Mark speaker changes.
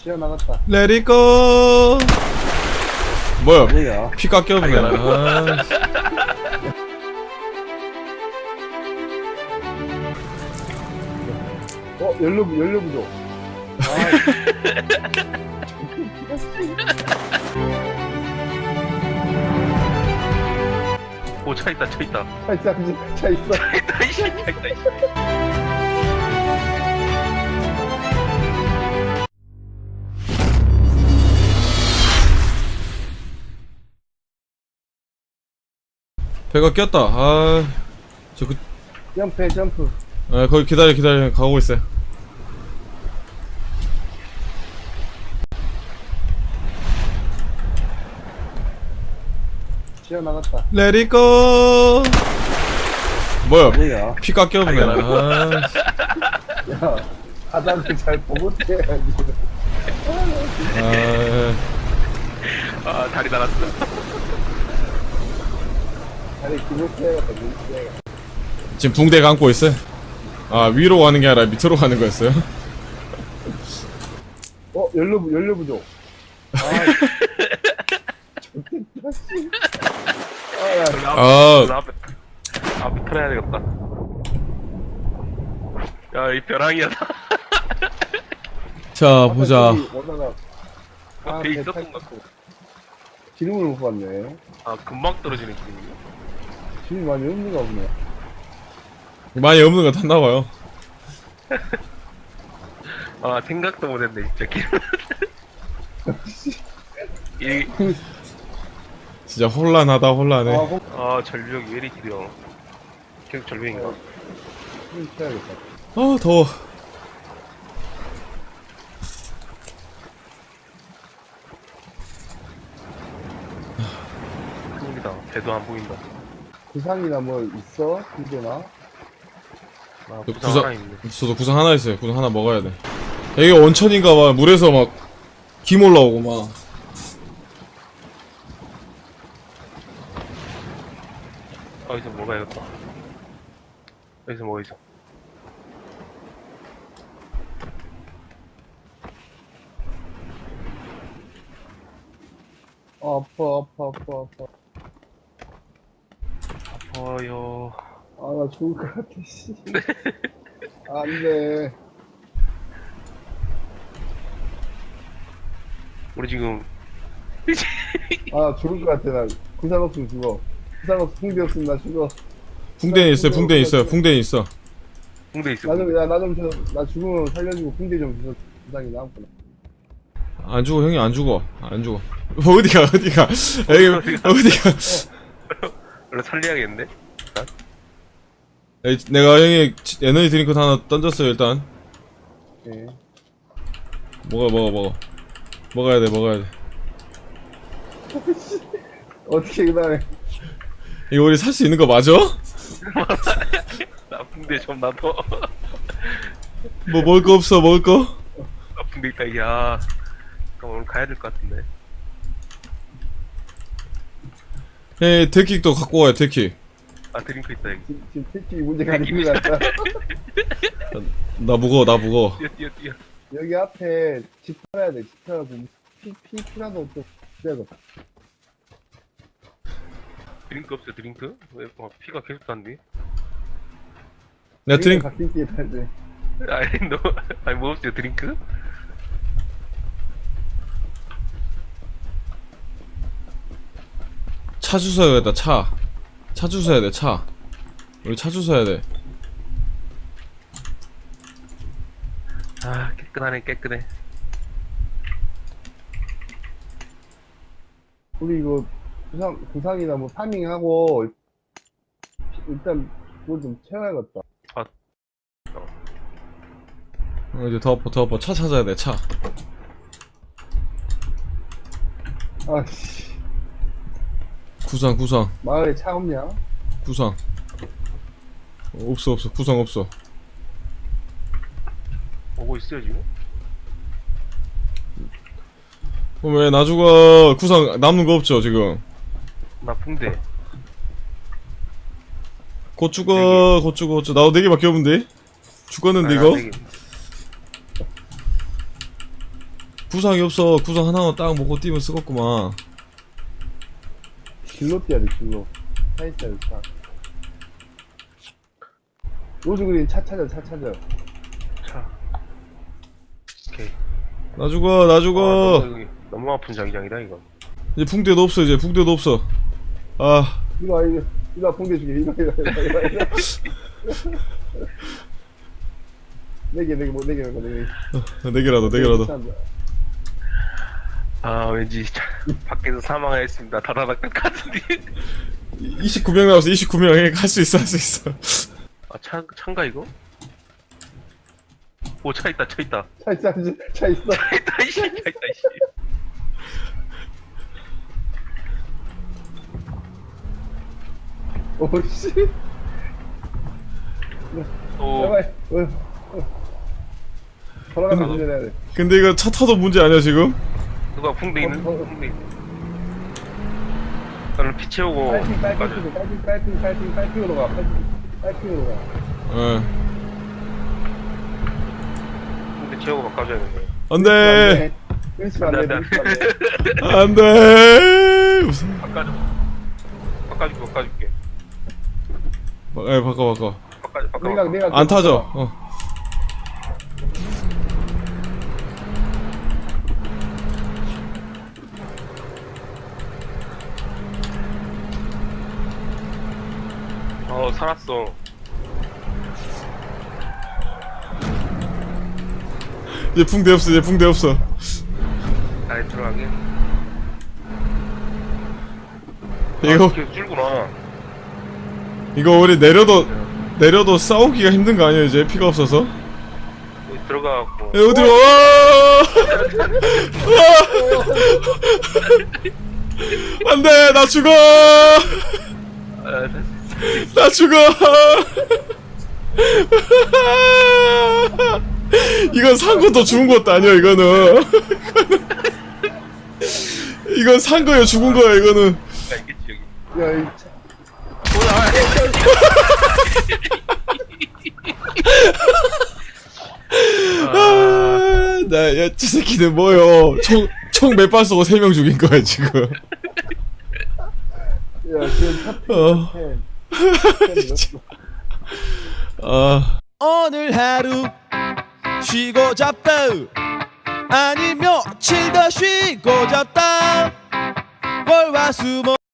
Speaker 1: 시야 나갔다.
Speaker 2: 레디고. 뭐야?
Speaker 1: 뭐야?
Speaker 2: 피 깎여보네. 아,
Speaker 1: 연료 부족.
Speaker 3: 오, 차 있다, 차 있다.
Speaker 1: 차 있어, 차 있어.
Speaker 3: 차 있다, 이씨, 차 있다, 이씨.
Speaker 2: 배가 꼈다. 아,
Speaker 1: 점프해, 점프.
Speaker 2: 아, 거기 기다려. 가고 있어요.
Speaker 1: 시야 나갔다.
Speaker 2: 레디고. 뭐야?
Speaker 1: 뭐야?
Speaker 2: 피 깎여보네. 아,
Speaker 1: 야, 바닥을 잘 보고 태야지.
Speaker 2: 아,
Speaker 3: 아, 다리 날았어.
Speaker 1: 다리 기분 태야겠다, 기분 태야겠다.
Speaker 2: 지금 붕대 감고 있어요. 아, 위로 가는 게 아니라 밑으로 가는 거였어요.
Speaker 1: 연료 부족. 좋겠다, 씨. 야.
Speaker 2: 아.
Speaker 3: 나 앞에 털어야 되겠다. 야, 이 벼랑이야.
Speaker 2: 자, 보자.
Speaker 3: 앞에 있었던 것 같고.
Speaker 1: 기름을 못 봤네.
Speaker 3: 아, 금방 떨어지는 기분이야?
Speaker 1: 기름이 많이 없는가 보네.
Speaker 2: 많이 없는 거 탔나봐요.
Speaker 3: 아, 생각도 못했네, 진짜. 이,
Speaker 2: 진짜 혼란해.
Speaker 3: 아, 절벽이 왜 이리 길어. 계속 절벽인가?
Speaker 1: 기름 태야겠다.
Speaker 2: 아, 더워.
Speaker 3: 큰일이다. 배도 안 보인다.
Speaker 1: 구상이나 뭐 있어? 힘드나?
Speaker 3: 아,
Speaker 2: 저
Speaker 3: 부상 하나 있네.
Speaker 2: 저도 구상 하나 있어요. 구상 하나 먹어야 돼. 여기 온천인가봐. 물에서 막 김 올라오고 막.
Speaker 3: 여기서 뭐가 있었다. 여기서 뭐가 있어.
Speaker 1: 아파.
Speaker 3: 아파요.
Speaker 1: 아, 나 죽을 것 같아, 씨. 안 돼.
Speaker 3: 우리 지금
Speaker 1: 아, 나 죽을 것 같아, 나. 구상 없으면 죽어. 구상 없으면 붕대 없으면 나 죽어.
Speaker 2: 붕대는 있어요. 붕대는 있어요. 붕대는 있어.
Speaker 3: 홍대 있어.
Speaker 1: 나 죽으면 살려주고 붕대 좀 주서 구상이 나왔구나.
Speaker 2: 안 죽어, 형이 안 죽어. 안 죽어. 어디가. 여기, 어디가.
Speaker 3: 원래 살려야겠는데?
Speaker 2: 내가 형이 에너지 드링크 하나 던졌어요, 일단.
Speaker 1: 예.
Speaker 2: 먹어. 먹어야 돼.
Speaker 1: 어떻게, 그 다음에.
Speaker 2: 이거 우리 살 수 있는 거 맞아?
Speaker 3: 나 붕대 좀 놔둬.
Speaker 2: 뭐 먹을 거 없어, 먹을 거?
Speaker 3: 나 붕대 있다, 야. 그럼 오늘 가야 될 것 같은데.
Speaker 2: 예, 데킥도 갖고 와요, 데킥.
Speaker 3: 아, 드링크 있다, 여기.
Speaker 1: 지금 특히 문제가 아닌 것 같다.
Speaker 2: 나 무거워.
Speaker 3: 뛰어.
Speaker 1: 여기 앞에 집 팔아야 돼. 집 팔아고 피라도 없고 그래야겠다.
Speaker 3: 드링크 없어, 드링크? 왜, 피가 계속 난디?
Speaker 2: 내가 드링크,
Speaker 1: 같은 끼에 팔 돼.
Speaker 3: 아니, 뭐 없어요, 드링크?
Speaker 2: 차 주워야겠다, 차. 차 주워야 돼, 차. 우리 차 주워야 돼.
Speaker 3: 아, 깨끗해.
Speaker 1: 우리 이거 구상이나 뭐 파밍하고 일단 뭐 좀 채워야겠다.
Speaker 2: 이제 더 엎어. 차 찾아야 돼, 차.
Speaker 1: 아씨,
Speaker 2: 구상.
Speaker 1: 마을에 차 없냐?
Speaker 2: 구상. 없어. 구상 없어.
Speaker 3: 오고 있어요, 지금?
Speaker 2: 그럼 왜 나주가 구상 남는 거 없죠, 지금?
Speaker 3: 나 붕대.
Speaker 2: 곧 죽어. 나도 4개밖에 없는데? 죽었는데,
Speaker 3: 아,
Speaker 2: 이거?
Speaker 3: 나 되게-
Speaker 2: 구상이 없어. 구상 하나만 딱 먹고 뛰면 쓰겠구만.
Speaker 1: 길로 뛰어야 돼, 길로. 차 있어야 돼, 차. 로즈그린 차 찾아, 차 찾아.
Speaker 3: 차. 오케이.
Speaker 2: 나 죽어, 나 죽어.
Speaker 3: 너무 아픈 자기장이다 이거.
Speaker 2: 이제 붕대도 없어, 이제 붕대도 없어. 아,
Speaker 1: 이거, 붕대 주게, 이거. 네 개, 뭐, 네 개.
Speaker 2: 네 개라도.
Speaker 3: 아 왠지 밖에서 사망하였습니다. 다다닥 같은데.
Speaker 2: 29명 남았어, 29명. 할 수 있어, 할 수 있어.
Speaker 3: 아 차인가 이거? 오 차 있다.
Speaker 1: 차 있어.
Speaker 3: 차 있다 이씨. 차 있다 이씨.
Speaker 1: 오씨.
Speaker 3: 오.
Speaker 1: 제발, 돌아가면 운전해야 돼.
Speaker 2: 근데 이거 차 타도 문제 아니야, 지금?
Speaker 3: 누가 붕대 있는? 붕대. 나는 피 채우고 가자.
Speaker 1: 빨핑으로 가. 빨핑으로 가.
Speaker 2: 예.
Speaker 3: 붕대 채우고 바꿔줘야겠네.
Speaker 2: 안 돼!
Speaker 1: 그러시면 안 돼.
Speaker 2: 안 돼! 무슨.
Speaker 3: 바꿔줄게.
Speaker 2: 예, 바꿔.
Speaker 1: 내가
Speaker 2: 안 타죠? 어.
Speaker 3: 살았어.
Speaker 2: 이제 붕대 없어.
Speaker 3: 안에 들어가게.
Speaker 2: 이거,
Speaker 3: 계속 줄구나.
Speaker 2: 이거 우리 내려도 싸우기가 힘든 거 아니야, 이제? 피가 없어서?
Speaker 3: 여기 들어가갖고.
Speaker 2: 야, 어디로, 와! 안 돼! 나 죽어! 나 죽어! 이건 산 것도 죽은 것도 아니야, 이거는. 이건 산 거야, 죽은 거야, 이거는.
Speaker 3: 있겠지 여기.
Speaker 1: 야, 이 차.
Speaker 2: 야, 저 새끼는 뭐요? 총 몇 발 쏘고 3명 죽인 거야, 지금.
Speaker 1: 야, 지금
Speaker 2: 어. 아.
Speaker 4: 오늘 하루 쉬고 잡다 아니 며칠 더 쉬고 잡다 월화수목